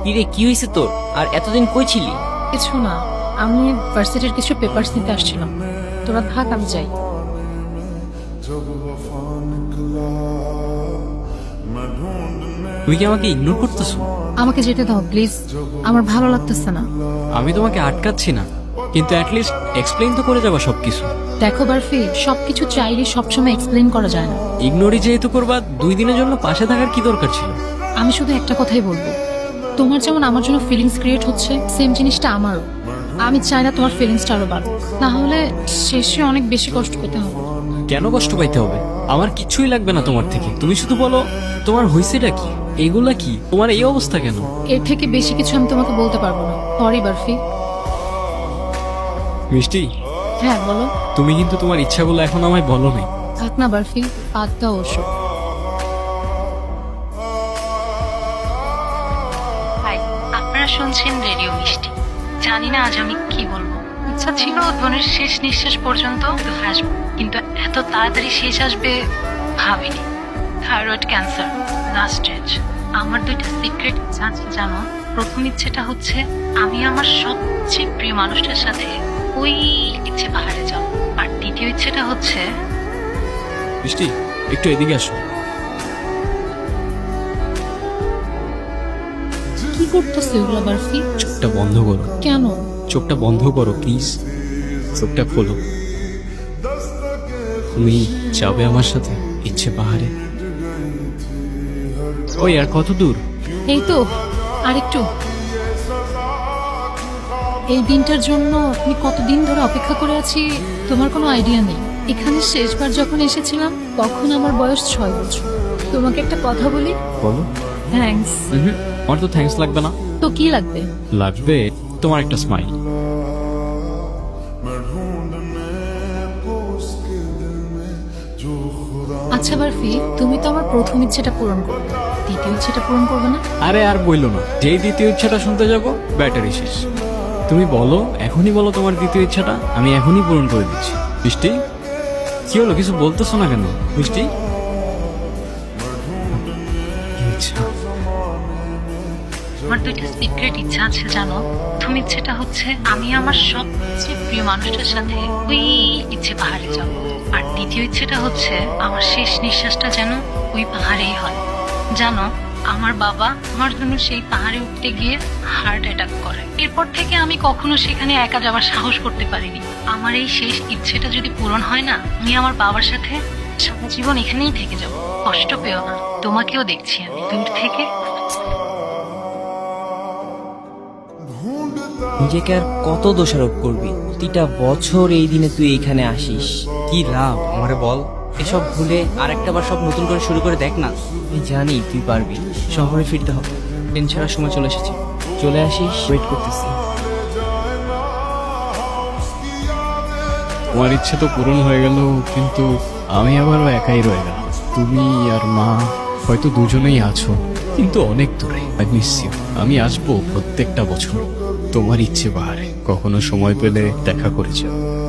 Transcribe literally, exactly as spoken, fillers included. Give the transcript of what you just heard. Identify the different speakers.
Speaker 1: কিরে কি হয়েছে তোর? আর এতদিন কই ছিলি?
Speaker 2: কিছু না, আমি ভার্সিটির কিছু পেপারস নিতে আসছিলাম। তোরা থাক, আমি যাই।
Speaker 1: তুই কি আমাকে ইগনোর করতেছো?
Speaker 2: আমাকে যেতে দাও প্লিজ, আমার ভালো লাগতেছে না।
Speaker 1: আমি তোমাকে আটকাচ্ছি না, কিন্তু অ্যাটলিস্ট এক্সপ্লেইন তো করে যাবা সবকিছু।
Speaker 2: দেখো বারফি, সবকিছু চাইলে সবসময় এক্সপ্লেন করা যায় না।
Speaker 1: ইগনোরই যেহেতু করবা, দুই দিনের জন্য পাশে থাকার কি দরকার ছিল?
Speaker 2: আমি শুধু একটা কথাই বলবো, তোমার যেমন আমার জন্য ফিলিংস ক্রিয়েট হচ্ছে, সেম জিনিসটা আমারও। আমি চাই না তোমার ফিলিংসটা আরো বাড়ুক, না হলে শেষে অনেক বেশি কষ্ট পেতে হবে।
Speaker 1: কেন কষ্ট পাইতে হবে? আমার কিছুই লাগবে না তোমার থেকে। তুমি শুধু বলো তোমার হয়েছেটা কি, এগুলা কি, তোমার এই অবস্থা কেন?
Speaker 2: এর থেকে বেশি কিছু আমি তোমাকে বলতে পারবো না। সরি বারফি।
Speaker 1: মিষ্টি,
Speaker 2: হ্যাঁ বলো।
Speaker 1: তুমি কিন্তু তোমার ইচ্ছাগুলো এখন আমায় বলো নাই।
Speaker 2: থাক না বারফি, বাদ দাও ওসব।
Speaker 3: হাই, আপনারা শুনছেন রেডিও মিষ্টি। জানি না আজ আমি কি বলবো। ইচ্ছা ছিল উদ্বোধনের শেষ নিঃশ্বাস পর্যন্ত তো হাসবো, কিন্তু এত তাড়াতাড়ি শেষ আসবে ভাবিনি। Thyroid cancer last stage. আমার দুইটা সিক্রেট ইচ্ছা আছে জানো। প্রথম ইচ্ছেটা হচ্ছে আমি আমার সবচেয়ে প্রিয় মানুষটার সাথে ওই ইচ্ছে পাহাড়ে যাব। আর দ্বিতীয় ইচ্ছেটা হচ্ছে
Speaker 1: মিষ্টি, একটু এদিকে আসো।
Speaker 2: কি করতেছো এগুলো বারফি?
Speaker 1: চোখটা বন্ধ করো।
Speaker 2: কেন?
Speaker 1: চোখটা বন্ধ করো প্লিজ। চোখটা খোলো। তুমি যাবে আমার সাথে ইচ্ছে পাহাড়ে? ওই আর কত দূর?
Speaker 2: এই তো আরেকটু। এই দিনটার জন্য আমি কতদিন ধরে অপেক্ষা করে আছি তোমার কোনো আইডিয়া নেই। এখানে শেষবার যখন এসেছিলাম তখন আমার বয়স ছয় বছর। তোমাকে একটা কথা বলি।
Speaker 1: বলো।
Speaker 2: থ্যাঙ্কস।
Speaker 1: হুম, আমার তো থ্যাঙ্কস লাগবে না।
Speaker 2: তো কি লাগবে?
Speaker 1: লাগবে তোমার একটা স্মাইল।
Speaker 2: আচ্ছা বারফি, তুমি তো আমার প্রথম ইচ্ছেটা পূরণ করবে, দ্বিতীয় ইচ্ছেটা পূরণ করবে না?
Speaker 1: আরে আর বইলো না, যেই দ্বিতীয় ইচ্ছাটা শুনতে যাবো ব্যাটারি শেষ। তুমি বলো, এখনই বলো তোমার দ্বিতীয় ইচ্ছাটা, আমি এখনই পূরণ করে দিচ্ছি। মিষ্টি, কি হলো? কিছু বলতেছো না কেন মিষ্টি? কি ইচ্ছা?
Speaker 3: আমার দুইটা সিক্রেট ইচ্ছা আছে জানো। প্রথম ইচ্ছেটা হচ্ছে আমি আমার সবচেয়ে প্রিয় মানুষটার সাথে ওই ইচ্ছে পাহাড়ে যাব। আর দ্বিতীয় ইচ্ছেটা হচ্ছে আমার শেষ নিঃশ্বাসটা যেন ওই পাহাড়েই হয়। জানো, আমার বাবা আমার জন্য সেই পাহাড়ে উঠতে গিয়ে হার্ট অ্যাটাক করে। এরপর থেকে আমি কখনো সেখানে একা যাওয়ার সাহস করতে পারিনি। আমার এই শেষ ইচ্ছেটা যদি পূরণ হয় না, আমি আমার বাবার সাথে সারা জীবন এখানেই থেকে যাব। কষ্ট পেও না, তোমাকেও দেখছি আমি দূর থেকে।
Speaker 4: নিজেকে আর কত দোষারোপ করবি? প্রতিটা বছর এই দিনে তুই এইখানে আসিস, কি লাভ আমারে বল? এসব ভুলে আরেকটা বার সব নতুন করে শুরু করে দেখ না। আমি জানি তুই পারবি। শহরে ফিরতে হবে, ট্রেন ছাড়ার সময় চলে এসেছে। চলে আসিস, ওয়েট করতেছি।
Speaker 1: তোমার ইচ্ছে তো পূরণ হয়ে গেল, কিন্তু আমি আবারও একাই রয়ে গেলাম। তুমি আর মা হয়তো দুজনেই আছো, কিন্তু অনেক দূরে। I miss you. আমি আসবো প্রত্যেকটা বছর তোমার ইচ্ছে পাহাড়ে। কখনো সময় পেলে দেখা করে যাও।